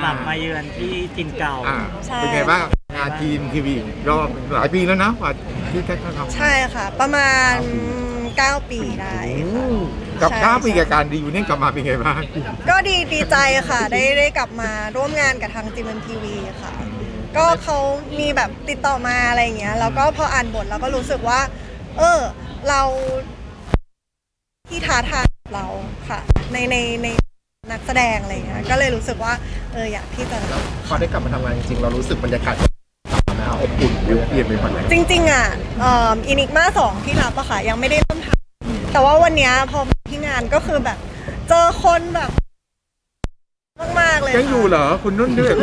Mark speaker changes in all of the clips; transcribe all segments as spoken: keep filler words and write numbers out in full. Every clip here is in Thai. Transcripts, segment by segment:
Speaker 1: ลับมาเยือนที่ถิ่นเก่า
Speaker 2: อ่า
Speaker 3: ใช่
Speaker 2: เป็นไงบ้างงานทีมทีวีรอบหลายปีแล้วนะกว่าที่แท็กทำ
Speaker 3: ใช่ค่ะ ประมาณเก้าปีได้ค่ะ
Speaker 2: กับ
Speaker 3: ใช่
Speaker 2: เก้าปี
Speaker 3: ใช่
Speaker 2: กับการดีอยู่เนี่ยกลับมาเป็นไงบ้าง
Speaker 3: ก็ดีดีใจค่ะ ได้ได้กลับมาร่วมงานกับทางจีเอ็มทีวีค่ะ ก็เขามีแบบติดต่อมาอะไรอย่างเงี้ยแล้วก็พออ่านบทเราก็รู้สึกว่า เออ เราที่ท้าทายเราค่ะ ในในในนักแสดงอะไรอย่างเงี้ยก็เลยรู้สึกว่าเอออยากที่จะ
Speaker 4: พอได้กลับมาทำงานจริงๆเรารู้สึกบรรยากาศนะอบอุ่นเปลี่ยนไปหมดเลย
Speaker 3: จริงๆอ่ะเอ่ออินิกมาสองที่รับอะค่ะยังไม่ได้เริ่มทำแต่ว่าวันเนี้ยพอมาที่งานก็คือแบบ เจอคนแบบมากๆเลย
Speaker 2: ยังอยู่เหรอคุณนุ่นด้วย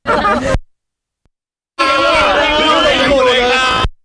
Speaker 4: อยู่เลยค่ะ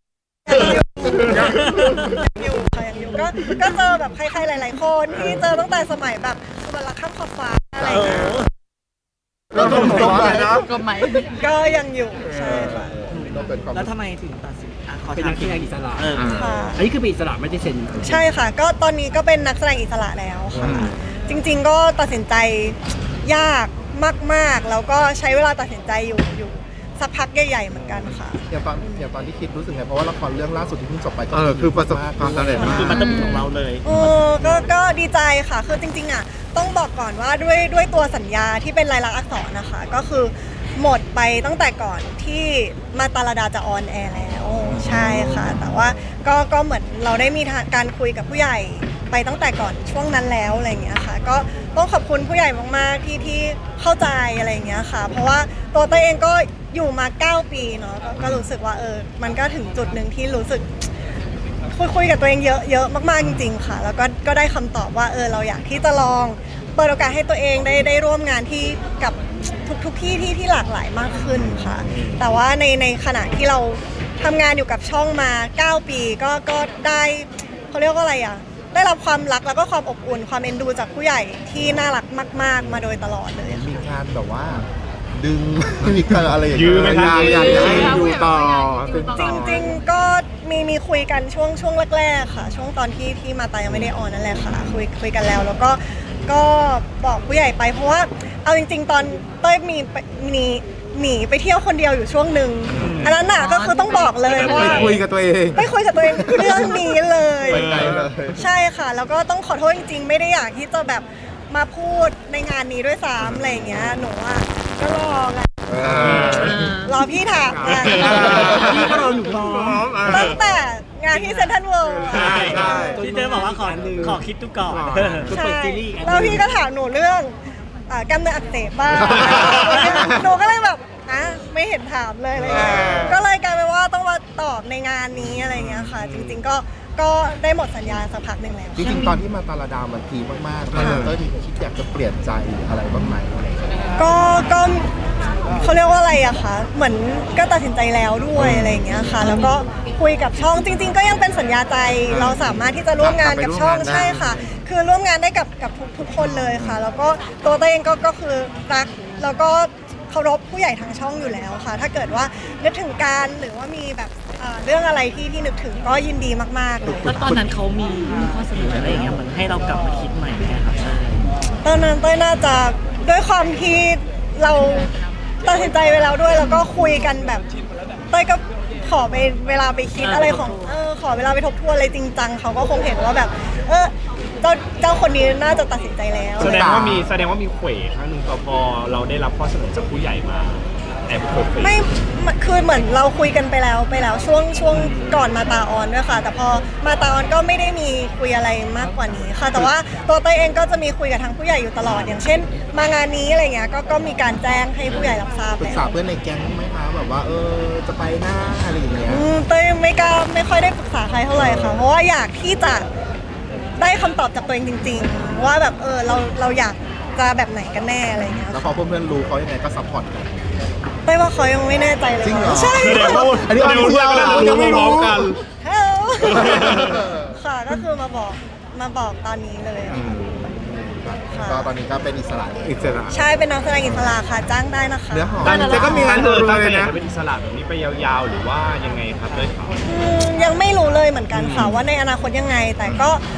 Speaker 3: อยู่ค่ะยังอยู่ก็ก็เจอแบบใครๆหลายๆคนที่เจอตั้งแต่สมัยแบบสุวรรณข้ามขอบฟ้าอะไรอย่างเงี้ย
Speaker 2: ก็ต้องบอกเลยนะ
Speaker 1: ก็ไหม
Speaker 3: ก็ยังอยู่ใช่ค่ะ
Speaker 4: ต้องเป็นความ
Speaker 1: แล้วทำไมถึงตัดสินอ่ะขอ
Speaker 5: เป็น
Speaker 1: ถา
Speaker 5: นั
Speaker 1: ม
Speaker 5: กแสดงอิสระ
Speaker 1: เออ
Speaker 3: ค่ะ
Speaker 5: อันนี้คือเป็นอิสระไม่ได้เซ็น
Speaker 3: ใช่ค่ะ ก็ตอนนี้ก็เป็นนักแสดงอิสระแล้วค่ะ จริงๆก็ตัดสินใจยากมากๆ แล้วก็ใช้เวลาตัดสินใจอยู่อยู่สักพักใหญ่ๆเหมือนกันค่ะ
Speaker 4: อย่างตอนอย่างตอนที่คิดรู้สึกไงเพราะว่าละครเรื่องล่าสุดที่เพิ่งจบไปก็
Speaker 2: เออคือประสบความสำเร็จ
Speaker 1: มัน
Speaker 2: มาก
Speaker 1: คือมันต้องเป็นของเราเลย
Speaker 3: โอ้ก็ก็ดีใจค่ะ คือจริงๆอ่ะต้องบอกก่อนว่าด้วยด้วยตัวสัญญาที่เป็นลายลักษณ์อักษรนะคะ ก็คือหมดไปตั้งแต่ก่อนที่มาตาลดาจะออนแอร์แล้วใช่ค่ะ แต่ว่าก็ก็เหมือนเราได้มีการคุยกับผู้ใหญ่ไปตั้งแต่ก่อนช่วงนั้นแล้วอะไรอย่างเงี้ยค่ะ ก็ต้องขอบคุณผู้ใหญ่มากๆที่ที่เข้าใจอะไรอย่างเงี้ยค่ะ เพราะว่าตัวเต้ยเองก็อยู่มาเก้าปีเนาะก็ก็รู้สึกว่าเออมันก็ถึงจุดหนึ่งที่รู้สึก คุยคุยกับตัวเองเยอะเยอะมากๆจริงๆค่ะ แล้วก็ก็ได้คำตอบว่าเออเราอยากที่จะลองเปิดโอกาสให้ตัวเองได้ได้ร่วมงานที่กับทุกทุกที่ที่ที่หลากหลายมากขึ้นค่ะ แต่ว่าในในขณะที่เราทำงานอยู่กับช่องมาเก้าปีก็ก็ได้เขาเรียกว่าอะไรอ่ะได้รับความรักแล้วก็ความอบอุ่นความเอ็นดูจากผู้ใหญ่ที่น่ารักมาก ๆ มาโดยตลอดเลยค่ะ
Speaker 4: มีการแบบว่า ดึง มีการอะไรอย่าง
Speaker 2: ยื
Speaker 4: เงี้
Speaker 2: มไหมครับอยากจะให้อยู่ต่อ
Speaker 3: จริงๆ ก็มีมีคุยกันช่วงช่วงแรกๆค่ะ ช่วงตอนที่ที่มาตายังไม่ได้ออนนั่นแหละค่ะ คุยคุยกันแล้ว แล้วก็ก็บอกผู้ใหญ่ไปเพราะว่าเอาจริง ๆ ตอนเต้ยมีไปหนีหนีไปเที่ยวคนเดียวอยู่ช่วงหนึ่งอันนั้นน่ะก็คือต้องบอกเลยว่า
Speaker 2: ไปคุยกับตัวเอง
Speaker 3: ไปคุยกับตัวเองเรื่องนี้เลย
Speaker 4: ไปไกลเลย
Speaker 3: ใช่ค่ะ แล้วก็ต้องขอโทษจริงๆ ไม่ได้อยากที่จะแบบมาพูดในงานนี้ด้วยซ้ำอะไรอย่างเงี้ยหนูอ่ะก็รอไงรอพี่ถามไง
Speaker 5: พี่ก็รอหนูรอ
Speaker 3: ตั้งแต่งานที่เซ็นทรัลเวิลด์
Speaker 2: ใช่ใช่
Speaker 1: ที่เธอบอกว่าขอขอคิดดูก่อน
Speaker 3: ใช่แล้วพี่ก็ถามหนูเรื่องอ่ากล้ามเนื้ออักเสบบ้างหนูก็เลยแบบอ่ะไม่เห็นถามเลยอะไรเลยก็เลยกลายเป็นว่าต้องมาตอบในงานนี้อะไรเงี้ยค่ะ จริงๆก็ก็ได้หมดสัญญาสักพักหนึ่งแล้ว
Speaker 4: จริงๆตอนที่มาตาลาดามันพีมากๆตอนนั้นเต้ยมีคิดอยากจะเปลี่ยนใจอะไรบ้างไหมอะไรอย่างเงี้ย
Speaker 3: ก็ก็เขาเรียกว่าอะไรอะคะเหมือนก็ตัดสินใจแล้วด้วยอะไรอย่างเงี้ยค่ะ แล้วก็คุยกับช่องจริง ๆ ก็ยังเป็นสัญญาใจเราสามารถที่จะร่วมงานกับช่องใช่ค่ะ คือร่วมงานได้กับกับทุกทุกคนเลยค่ะ แล้วก็ตัวตัวเองก็ก็คือรักแล้วก็เคารพผู้ใหญ่ทางช่องอยู่แล้วค่ะ ถ้าเกิดว่านึกถึงการหรือว่ามีแบบอ่าเรื่องอะไรที่ที่นึกถึงก็ยินดีมากๆเลย
Speaker 1: แล้วตอนนั้นเขามีข้อเสนออะไรอย่างเงี้ยเหมือนให้เรากลับมาคิดใหม่ไหมครับ
Speaker 3: ตอนนั้นเต้ยน่าจะด้วยความที่เราตัดสินใจไปแล้วด้วย แล้วก็คุยกันแบบเต้ยก็ขอไปเวลาไปคิดอะไรของเออขอเวลาไปทบทวนอะไรจริงจังเขาก็คงเห็นว่าแบบ เออเจ้าเจ้าคนนี้น่าจะตัดสินใจแล้ว
Speaker 6: แสดงว่ามีแสดงว่ามีเขวครั้งหนึ่งพอพอเราได้รับข้อเสนอจากผู้ใหญ่มาแอบเขว
Speaker 3: ไม่คือเหมือนเราคุยกันไปแล้วไปแล้วช่วงช่วงก่อนมาตาออนด้วยค่ะ แต่พอมาตาออนก็ไม่ได้มีคุยอะไรมากกว่านี้ค่ะ แต่ว่าตัวเต้ยเองก็จะมีคุยกับทางผู้ใหญ่อยู่ตลอดอย่างเช่น มางานนี้อะไรเงี้ยก็ก็มีการแจ้งให้ผู้ใหญ่รับทราบ
Speaker 4: ปรึก
Speaker 3: แล้ว
Speaker 4: ษาเพื่อนในแก๊งไหมคะแบบว่าเออจะไปหน้าอะไรอย่างเงี้ย
Speaker 3: อืมเต้ยไม่กล้าไม่ค่อยได้ปรึกษาใครเท่าไหร่ค่ะ เพราะว่าอยากที่จะได้คำตอบจากตัวเองจริง ๆ ว่าแบบเออเราเราอยากจะแบบไหนกันแน่อะไรเงี้ย
Speaker 4: แล้วพอเพื่อนๆรู้เขายังไงก็ซัพพอร์ตกัน
Speaker 3: เต้ยว่าเขายังไม่แน่ใจเลย
Speaker 4: จริงเหรอ
Speaker 3: ใช่
Speaker 6: แสดงว่า
Speaker 4: อันนี้
Speaker 6: เดี๋ยว
Speaker 4: อันนี้
Speaker 6: เพื่อนก็
Speaker 4: เรา
Speaker 6: รู้
Speaker 4: ยังไม่รู้
Speaker 6: พร้อมกัน
Speaker 3: เฮ้ยค่ะก็คือมาบอกมาบอกตอนนี้เลย
Speaker 4: อืม
Speaker 3: ค่ะ
Speaker 4: ก็ตอนนี้ก็เป็นอิสระ
Speaker 2: อิสระ
Speaker 3: ใช่เป็นนักแสดงอิสระค่ะจ้างได้นะคะ
Speaker 4: เนื้อหอม
Speaker 2: แต่ก็มีงานรัวๆ
Speaker 6: ตั้ง
Speaker 2: เล
Speaker 6: ใจ
Speaker 2: ย
Speaker 6: อยาก
Speaker 2: นะ
Speaker 6: จะเป็นอิสระแบบนี้ไปยาวๆ หรือว่ายังไงครับเลยครับ
Speaker 3: อืมยังไม่รู้เลยเหมือนกันค่ะว่าในอนาคตยังไง แต่ก็คื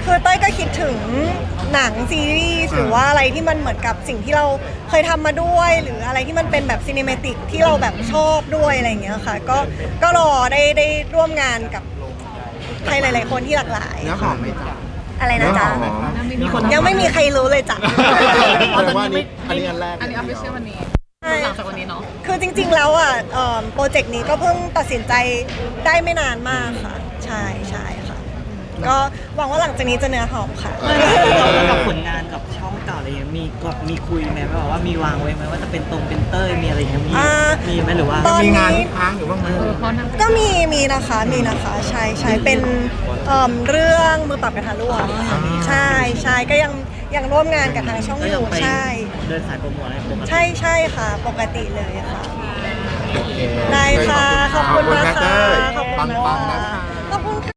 Speaker 3: คือเต้ยก็คิดถึงหนังซีรีส์หรือว่าอะไรที่มันเหมือนกับสิ่งที่เราเคยทำมาด้วย หรืออะไรที่มันเป็นแบบซีนิเมติกที่เราแบบชอบด้วยอะไรอย่างเงี้ยค่ะก็ก็รอได้ได้ร่วมงานกับใครหลาย ๆ คนที่หลากหลาย
Speaker 4: เนื้อหอมไหมจ๊ะ
Speaker 3: อะไรนะจ๊ะ
Speaker 2: เนื้อหอม
Speaker 1: มีคน
Speaker 3: ยังไม่มีใครรู้เลยจ้ะ
Speaker 4: แสดงว่าอันนี้อันนี้อันแรก
Speaker 7: อันนี้ออฟฟิเชียลวันนี้
Speaker 3: ใช่
Speaker 7: หลังจากวันนี้เนาะ
Speaker 3: คือจริง ๆ แล้วอ่ะเอิ่มโปรเจกต์นี้ก็เพิ่งตัดสินใจได้ไม่นานมากค่ะ ใช่ใช่ค่ะ ก็หวังว่าหลังจากนี้จะเนื้อหอมค่ะ
Speaker 1: แล้วกับผลงานกับช่องเก่าอะไรเงี้ยมีก็มีคุยไหมแบบว่ามีวางไว้ไหมว่าจะเป็นตรงเป็นเต้ยมีอะไรเงี้ยมี
Speaker 3: อ่ามี
Speaker 1: มีไหมหรือว่า
Speaker 3: ตอน
Speaker 2: มี
Speaker 3: นี้
Speaker 2: งานที่ค้างอยู่บ้างไหม
Speaker 3: ก็มีมีนะคะมีนะคะใช่ใช่เป็นเอิ่มเรื่องมือปรับกระทะร่วงใช่ใช่ก็ยังยังร่วมงานกับทางช่อง
Speaker 1: ก็
Speaker 3: อ
Speaker 1: ยัง
Speaker 3: ยู่
Speaker 1: ไป
Speaker 3: ใช่
Speaker 1: เดินสายโปรโมทอะไรปกติ
Speaker 3: ใช่ใช่ค่ะ ปกติเลยค่ะ
Speaker 4: โอเค
Speaker 3: ได้ค่ะ ขอบคุณมากค่ะ ขอบคุณ
Speaker 4: ปัง
Speaker 3: มาก
Speaker 4: ๆนะ
Speaker 3: ค่ะ
Speaker 4: คะ
Speaker 3: ขอบคุณค่ะ